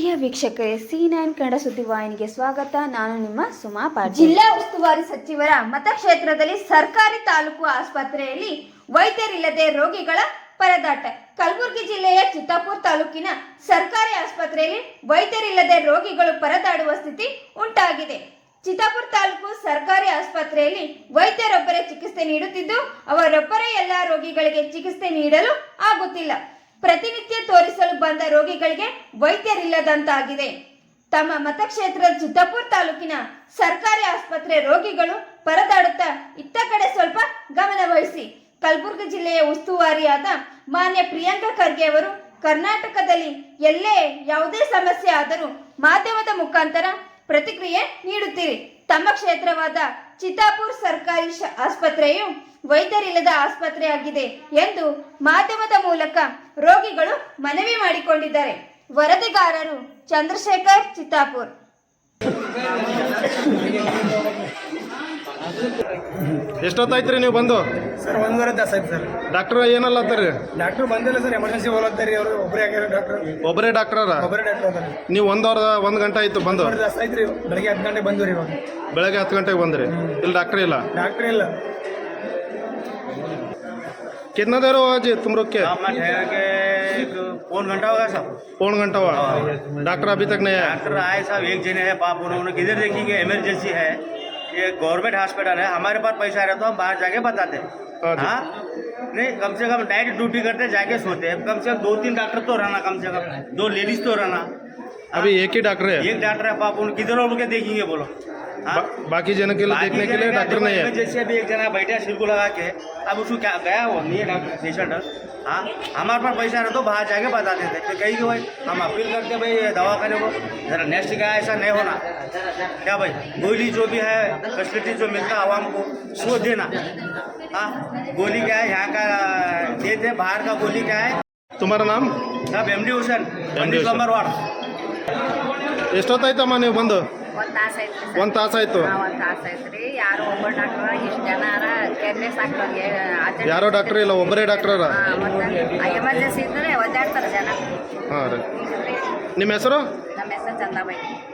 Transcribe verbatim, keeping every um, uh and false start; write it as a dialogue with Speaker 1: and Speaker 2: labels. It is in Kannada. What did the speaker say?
Speaker 1: ಪ್ರಿಯ ವೀಕ್ಷಕರೇ, ಸಿ ನೈನ್ ಕನ್ನಡ ಸುದ್ದಿವಾಹಿನಿಗೆ ಸ್ವಾಗತ. ನಾನು ನಿಮ್ಮ ಸುಮಾ ಪಾಟೀಲ್.
Speaker 2: ಜಿಲ್ಲಾ ಉಸ್ತುವಾರಿ ಸಚಿವರ ಮತಕ್ಷೇತ್ರದಲ್ಲಿ ಸರ್ಕಾರಿ ತಾಲೂಕು ಆಸ್ಪತ್ರೆಯಲ್ಲಿ ವೈದ್ಯರಿಲ್ಲದೆ ರೋಗಿಗಳ ಪರದಾಟ. ಕಲಬುರಗಿ ಜಿಲ್ಲೆಯ ಚಿತ್ತಾಪುರ ತಾಲೂಕಿನ ಸರ್ಕಾರಿ ಆಸ್ಪತ್ರೆಯಲ್ಲಿ ವೈದ್ಯರಿಲ್ಲದೆ ರೋಗಿಗಳು ಪರದಾಡುವ ಸ್ಥಿತಿ ಉಂಟಾಗಿದೆ. ಚಿತ್ತಾಪುರ ತಾಲೂಕು ಸರ್ಕಾರಿ ಆಸ್ಪತ್ರೆಯಲ್ಲಿ ವೈದ್ಯರೊಬ್ಬರೇ ಚಿಕಿತ್ಸೆ ನೀಡುತ್ತಿದ್ದು, ಅವರೊಬ್ಬರೇ ಎಲ್ಲಾ ರೋಗಿಗಳಿಗೆ ಚಿಕಿತ್ಸೆ ನೀಡಲು ಆಗುತ್ತಿಲ್ಲ. ಪ್ರತಿನಿತ್ಯ ತೋರಿಸಲು ಬಂದ ರೋಗಿಗಳಿಗೆ ವೈದ್ಯರಿಲ್ಲದಂತಾಗಿದೆ. ತಮ್ಮ ಮತಕ್ಷೇತ್ರದ ಚಿತ್ತಾಪುರ ತಾಲೂಕಿನ ಸರ್ಕಾರಿ ಆಸ್ಪತ್ರೆ ರೋಗಿಗಳು ಪರದಾಡುತ್ತಾ ಇತ್ತ ಕಡೆ ಸ್ವಲ್ಪ ಗಮನ ವಹಿಸಿ. ಕಲಬುರಗಿ ಜಿಲ್ಲೆಯ ಉಸ್ತುವಾರಿಯಾದ ಮಾನ್ಯ ಪ್ರಿಯಾಂಕಾ ಖರ್ಗೆ ಅವರು ಕರ್ನಾಟಕದಲ್ಲಿ ಎಲ್ಲೇ ಯಾವುದೇ ಸಮಸ್ಯೆ ಆದರೂ ಮಾಧ್ಯಮದ ಮುಖಾಂತರ ಪ್ರತಿಕ್ರಿಯೆ ನೀಡುತ್ತೀರಿ. ತಮ್ಮ ಕ್ಷೇತ್ರವಾದ ಚಿತ್ತಾಪುರ ಸರ್ಕಾರಿ ಆಸ್ಪತ್ರೆಯು ವೈದ್ಯರಿಲ್ಲದ ಆಸ್ಪತ್ರೆಯಾಗಿದೆ ಎಂದು ಮಾಧ್ಯಮದ ಮೂಲಕ ರೋಗಿಗಳು ಮನವಿ ಮಾಡಿಕೊಂಡಿದ್ದಾರೆ. ವರದಿಗಾರರು ಚಂದ್ರಶೇಖರ್, ಚಿತ್ತಾಪುರ.
Speaker 3: ಎಷ್ಟೊತ್ತಾಯ್ತು ರೀ ನೀವು ಬಂದು?
Speaker 4: ಸರ್ ಒಂದೂವರೆ ತಾಸು ಆಯ್ತು ಸರ್.
Speaker 3: ಡಾಕ್ಟರ್ ಏನಲ್ಲ ಅಂತಾರೆ?
Speaker 4: ಡಾಕ್ಟರ್ ಬಂದಿಲ್ಲ ಸರ್, ಎಮರ್ಜೆನ್ಸಿ ಹೋಗ್ತಾರೆ ಅವರು. ಒಬ್ಬರೇ ಆಗ್ಯಾರ ಡಾಕ್ಟರ್.
Speaker 3: ಒಬ್ಬರೇ ಡಾಕ್ಟರ?
Speaker 4: ಒಬ್ಬರೇ ಡಾಕ್ಟರ್ ಅದಾರೆ.
Speaker 3: ನೀವು ಒಂದವರ ಒಂದು ಗಂಟೆ ಆಯ್ತು ಬಂದು?
Speaker 4: ಒಂದೂವರೆ ತಾಸು ಆಯ್ತು ರೀ. ಬೆಳಗ್ಗೆ ಹತ್ತು ಗಂಟೆಗೆ ಬಂದ್ವಿ ರೀ. ಇವಾಗ
Speaker 3: ಬೆಳಗ್ಗೆ ಹತ್ತು ಗಂಟೆಗೆ ಬಂದ್ರಿ? ಇಲ್ಲಿ ಡಾಕ್ಟರ್ ಇಲ್ಲ?
Speaker 4: डॉक्टर ಇಲ್ಲ.
Speaker 3: कितना देर हुआ जी तुम लोग के?
Speaker 5: मैं ठहर के पौन घंटा होगा साहब.
Speaker 3: पौन घंटा हुआ? डॉक्टर अभी तक नहीं आया?
Speaker 5: डॉक्टर आए साहब, एक जने है पाप, उन्होंने किधर देखिए इमरजेंसी है, ये गवर्नमेंट हॉस्पिटल है, हमारे पास पैसा रहे तो हम बाहर जाके बताते हैं. हाँ नहीं, कम से कम नाइट ड्यूटी करते जाके सोते हैं. कम से कम दो तीन डॉक्टर तो रहना, कम से कम दो लेडीज तो रहना.
Speaker 3: अभी एक ही डॉक्टर है?
Speaker 5: एक डॉक्टर है पाप, उन किधर उनके देखेंगे बोलो.
Speaker 3: बा, बाकी जन के लिए देखने के लिए डॉक्टर नहीं है?
Speaker 5: जैसे अभी एक जना बैठा सिर को लगा के, अब उसको क्या गया वो नहीं है डॉक्टर पेशेंट. हाँ हमारे पास पैसा रहे तो बाहर जाके बता देते. तो कहीं कि भाई हम अपील करते भाई दवाखाने को जरा नेक्स्ट का ऐसा नहीं होना. क्या भाई गोली जो भी है फैसिलिटी जो मिलता है आवाम को वो देना. हाँ गोली क्या है यहाँ का देते, बाहर का गोली क्या है.
Speaker 3: तुम्हारा नाम?
Speaker 5: साहब एम डी हुसैन, पंडित नंबर वार्ड.
Speaker 3: ಎಷ್ಟೊತ್ತಾಯ್ತಮ್ಮ ನೀವು ಬಂದು?
Speaker 6: ಒಂದು ತಾಸು ಐತ್ರಿ ಸರ್.
Speaker 3: ಒಂದು ತಾಸಾಯ್ತು?
Speaker 6: ಒಂದು ತಾಸು ಐತ್ರಿ. ಯಾರು ಒಬ್ಬ ಡಾಕ್ಟರ್ ಇಷ್ಟು ಜನ ಕೇರ್ಲೆಸ್ ಆಗ್ತದೆ.
Speaker 3: ಯಾರೋ ಡಾಕ್ಟರ್ ಇಲ್ಲ, ಒಬ್ಬರೇ ಡಾಕ್ಟರ?
Speaker 6: ಮತ್ತು ಎಮರ್ಜೆನ್ಸಿ ಇದ್ದರೆ ಒದ್ದಾಡ್ತಾರೆ ಜನ.
Speaker 3: ಹಾಂ ರೀ. ನಿಮ್ಮ ಹೆಸರು?
Speaker 6: ನಮ್ಮ ಹೆಸರು ಚಂದಾಬಾಯಿ.